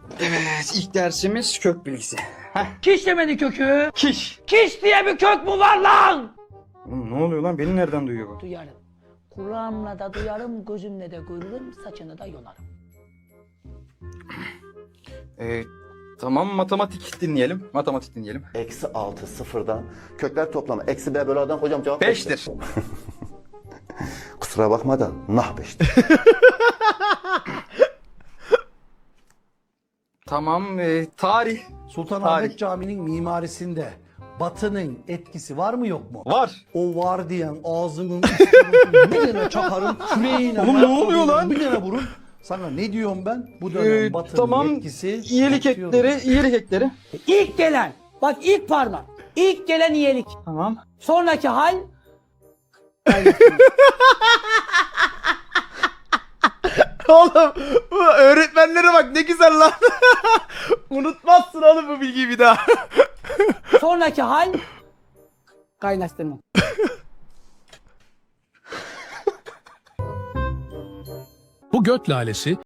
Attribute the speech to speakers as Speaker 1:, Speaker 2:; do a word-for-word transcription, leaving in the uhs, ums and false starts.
Speaker 1: Evet, ilk dersimiz kök bilgisi. Heh.
Speaker 2: Kiş demedi kökü.
Speaker 1: Kiş.
Speaker 2: Kiş diye bir kök mü var lan?
Speaker 1: Oğlum ne oluyor lan? Beni nereden duyuyor bu?
Speaker 2: Duyarım. Kulağımla da duyarım, gözümle de görürüm, saçını da yolarım.
Speaker 1: Ee, tamam, matematik dinleyelim. Matematik dinleyelim.
Speaker 3: Eksi altı sıfırdan kökler toplamı. Eksi b bölü a'dan hocam cevap
Speaker 1: Beştir.
Speaker 3: Kusura bakma da nah beştir.
Speaker 1: Tamam, e, tarih.
Speaker 4: Sultanahmet
Speaker 1: Tarih.
Speaker 4: Camii'nin mimarisinde Batı'nın etkisi var mı yok mu?
Speaker 1: Var.
Speaker 4: O var diyen ağzının üstüne bir tane çakarım, küreğine
Speaker 1: Oğlum ne oluyor lan?
Speaker 4: bir tane vurun. Sana ne diyorum ben? Bu dönem
Speaker 1: Ee,
Speaker 4: Batı'nın
Speaker 1: tamam,
Speaker 4: etkisi
Speaker 1: iyilik
Speaker 4: artıyor.
Speaker 1: ekleri, iyilik ekleri.
Speaker 2: İlk gelen, bak ilk parmak. İlk gelen iyilik.
Speaker 1: Tamam.
Speaker 2: Sonraki hal
Speaker 5: Oğlum bu öğretmenlere bak ne güzel lan. Unutmazsın oğlum bu bilgiyi bir daha.
Speaker 2: sonraki hal kaynaştırma.
Speaker 6: Bu göt lalesi